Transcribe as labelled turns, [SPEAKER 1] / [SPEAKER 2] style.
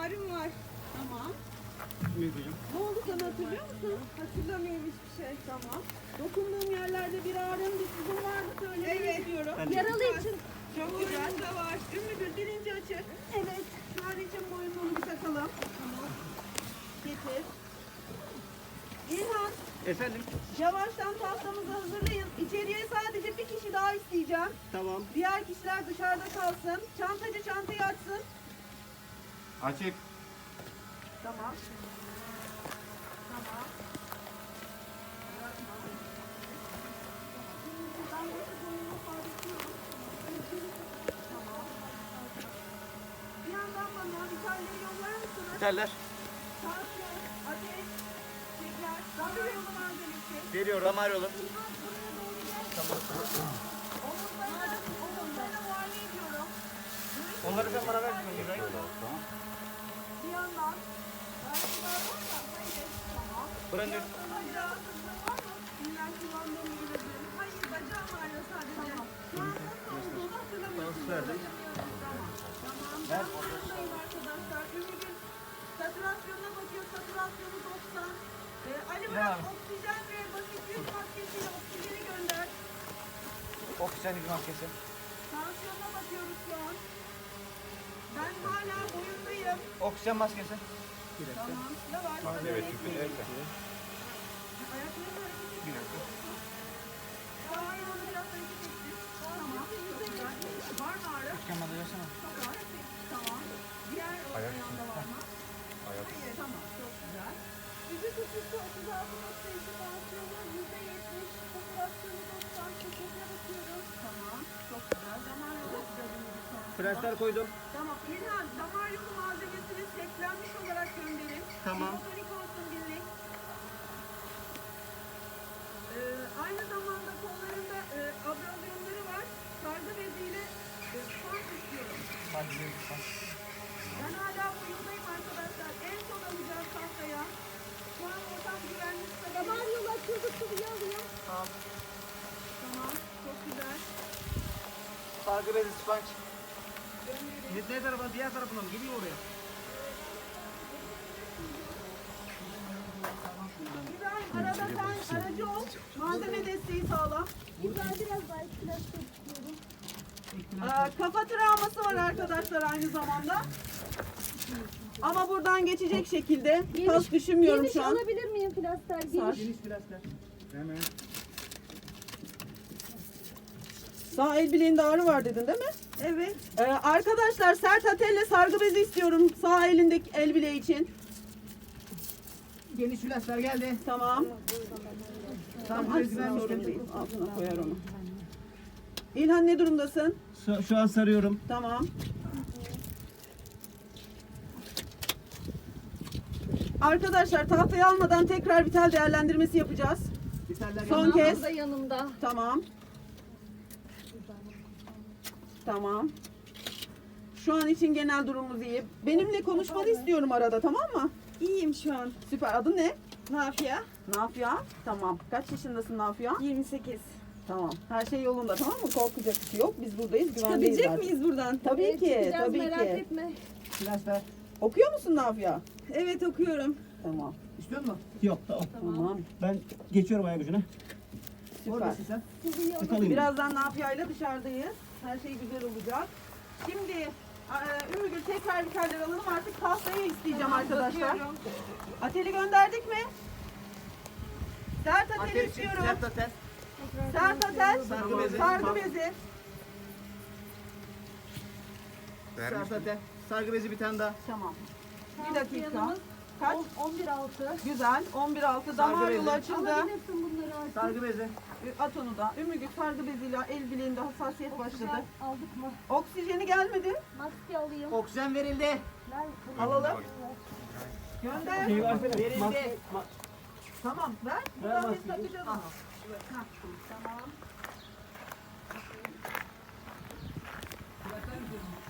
[SPEAKER 1] ağrım var.
[SPEAKER 2] Tamam.
[SPEAKER 3] Büyüteceğim.
[SPEAKER 2] Ne oldu sana, hatırlıyor musun?
[SPEAKER 1] Hatırlamıyorum hiçbir şey.
[SPEAKER 2] Tamam. Dokunduğum yerlerde bir ağrım, bir sızım vardı, söylemek
[SPEAKER 1] Evet.
[SPEAKER 2] istiyorum.
[SPEAKER 3] Ben de-
[SPEAKER 2] Yaralı için.
[SPEAKER 1] Çok güzel de var.
[SPEAKER 2] Ümmü Gül birinci açık. Evet. Şu an için boyunlu onu bir takalım. Tamam. Getir. İlhan,
[SPEAKER 3] Efendim?
[SPEAKER 2] yavaştan tahtamızı hazırlayın. İçeriye sadece bir kişi daha isteyeceğim.
[SPEAKER 3] Tamam.
[SPEAKER 2] Diğer kişiler dışarıda kalsın. Çantacı çantayı açsın.
[SPEAKER 3] Açık.
[SPEAKER 2] Tamam. Tamam. Ben bu boyunu sabitliyorum. Tamam. Bir yandan bana vitalyayı yollar mısınız?
[SPEAKER 3] Biterler.
[SPEAKER 2] Tansiyon, ateş, şeker, damar yolu malzemesi.
[SPEAKER 3] Veriyorum. Damar yolu.
[SPEAKER 2] Omuzlarına muayene ediyorum.
[SPEAKER 3] Onları sen bana ver. İbrahim.
[SPEAKER 2] Bir yandan. Ayakkabılar var mı? Hayır. Tamam.
[SPEAKER 3] Buranın
[SPEAKER 2] Bacağı sızlığı var mı? İlla kullandığım gibi de. Hayır, bacağım ağrıyor sadece. Şu an nasıl olduğunu hatırlamıyorsunuz.
[SPEAKER 3] verdim.
[SPEAKER 2] Tamam. Tamam. Ben buradayım arkadaşlar. Ümid'in satürasyonuna bakıyor. Satürasyonu 90. Ali Murat, oksijen ve basit yüz maskesiyle oksijeni gönder.
[SPEAKER 3] Oksijen yüz maskesi.
[SPEAKER 2] Tansiyonuna bakıyoruz şu an. Ben hala boyundayım.
[SPEAKER 3] Oksijen maskesi.
[SPEAKER 2] Tamam. Ne var?
[SPEAKER 3] Evet,
[SPEAKER 2] Ayaklarını hareket ediyor. Tamam, onu biraz hareket ettir. Tamam. Çok güzel. Var mı ağrı?
[SPEAKER 3] Oksijen maskesi versene.
[SPEAKER 2] Çok var. Tamam. Diğer ayağında var mı? Hayır. Tamam. Çok güzel. Vücut ısısı 36.2, tansiyonu %70, satürasyonu 90, şekerine bakıyorum. Tamam. Çok güzel. Damar yolu açacağız sonra.
[SPEAKER 3] Prensler koydum.
[SPEAKER 2] Tamam. İlhan, damar yolu malzemesini seklenmiş olarak gönderin.
[SPEAKER 3] Tamam.
[SPEAKER 2] Hipotonik olsun birlik. Aynı zamanda kollarında abrazyonları var. Sargı beziyle spans istiyorum. Ben hala boyundayım arkadaşlar. En son alacağız tahtaya. Şu an ortam güvenli. Damar yolu açıldıkça bir alıyor.
[SPEAKER 3] Tamam.
[SPEAKER 2] Tamam. Çok güzel.
[SPEAKER 3] Sargı bezi sponge.
[SPEAKER 2] Gönderin.
[SPEAKER 3] Ne tarafa? Diğer tarafına mı? Geliyor oraya.
[SPEAKER 2] İbrahim, arada sen aracı ol. Malzeme desteği sağla.
[SPEAKER 1] İbrahim biraz daha ihtiyaçlı istiyorum.
[SPEAKER 2] Kafa travması var arkadaşlar aynı zamanda. Ama buradan geçecek şekilde. Tas düşünmüyorum
[SPEAKER 1] Geniş
[SPEAKER 2] şu an.
[SPEAKER 1] alabilir miyim plaster?
[SPEAKER 2] Sar.
[SPEAKER 1] Geniş.
[SPEAKER 3] Geniş prensler. Hemen.
[SPEAKER 2] Sağ el bileğinde ağrı var dedin değil mi?
[SPEAKER 1] Evet.
[SPEAKER 2] Arkadaşlar sert atelle sargı bezi istiyorum sağ elindeki el bileği için.
[SPEAKER 3] Geniş prensler geldi.
[SPEAKER 2] Tamam.
[SPEAKER 3] Sargı bezi
[SPEAKER 2] Sorun
[SPEAKER 3] vermiştim.
[SPEAKER 2] değil. Altına koyar onu. İlhan ne durumdasın?
[SPEAKER 3] Şu an sarıyorum.
[SPEAKER 2] Tamam. Arkadaşlar tahtayı almadan tekrar vital değerlendirmesi yapacağız.
[SPEAKER 3] Biterler
[SPEAKER 2] Son
[SPEAKER 3] geldi.
[SPEAKER 2] kez.
[SPEAKER 1] Da yanımda.
[SPEAKER 2] Tamam. Tamam. Şu an için genel durumumuz iyi. Benimle konuşmanı istiyorum arada, tamam mı?
[SPEAKER 1] İyiyim şu an.
[SPEAKER 2] Süper. Adın ne?
[SPEAKER 1] Nafia.
[SPEAKER 2] Nafia. Tamam. Kaç yaşındasın Nafia?
[SPEAKER 1] 28.
[SPEAKER 2] Tamam. Her şey yolunda, tamam mı? Korkacak bir şey yok. Biz buradayız. Güvendeyiz
[SPEAKER 1] Çıkabilecek
[SPEAKER 2] zaten.
[SPEAKER 1] miyiz buradan?
[SPEAKER 2] Tabii
[SPEAKER 1] Evet,
[SPEAKER 2] ki.
[SPEAKER 1] çıkacağız,
[SPEAKER 2] Tabii
[SPEAKER 1] merak
[SPEAKER 2] ki.
[SPEAKER 1] etme.
[SPEAKER 3] Prensler.
[SPEAKER 2] Okuyor musun Nafia?
[SPEAKER 1] Evet okuyorum.
[SPEAKER 2] Tamam.
[SPEAKER 3] İstiyor musun? Yok tamam.
[SPEAKER 2] Tamam.
[SPEAKER 3] Ben geçiyorum ayak ucuna.
[SPEAKER 2] Süper.
[SPEAKER 3] Oradasın sen.
[SPEAKER 1] Sizi
[SPEAKER 3] Tıkalayım.
[SPEAKER 2] Birazdan Nafia ile dışarıdayız. Her şey güzel olacak. Şimdi Ümmü Gül tekrar vitaller alalım. Artık tahtayı isteyeceğim arkadaşlar.
[SPEAKER 1] bakıyorum.
[SPEAKER 2] Ateli gönderdik mi? Sert ateli istiyorum.
[SPEAKER 3] Sert atel.
[SPEAKER 2] Sert atel.
[SPEAKER 3] Sargı bezi.
[SPEAKER 2] Sargı bezi.
[SPEAKER 3] Sert atel. Sargı bezi bir tane daha.
[SPEAKER 2] Tamam. Bir dakika.
[SPEAKER 1] Yanımız
[SPEAKER 2] Kaç?
[SPEAKER 1] 11.6.
[SPEAKER 2] Güzel. 11.6 damar
[SPEAKER 3] Sargı
[SPEAKER 2] yolu
[SPEAKER 3] bezi.
[SPEAKER 2] açıldı.
[SPEAKER 1] Alabilirsin bunları artık.
[SPEAKER 3] Sargı bezi.
[SPEAKER 2] At onu da. Ümmü Gül sargı beziyle el bileğinde hassasiyet başladı.
[SPEAKER 1] Güzel. Aldık mı?
[SPEAKER 2] Oksijeni gelmedi.
[SPEAKER 1] Maske alayım.
[SPEAKER 3] Oksijen verildi.
[SPEAKER 1] Ver.
[SPEAKER 2] Alalım. Gönder.
[SPEAKER 3] Şey versene.
[SPEAKER 2] Verildi. Tamam ver. Buradan biz
[SPEAKER 3] maskeyi.
[SPEAKER 2] takacağız onu. Hah, tamam.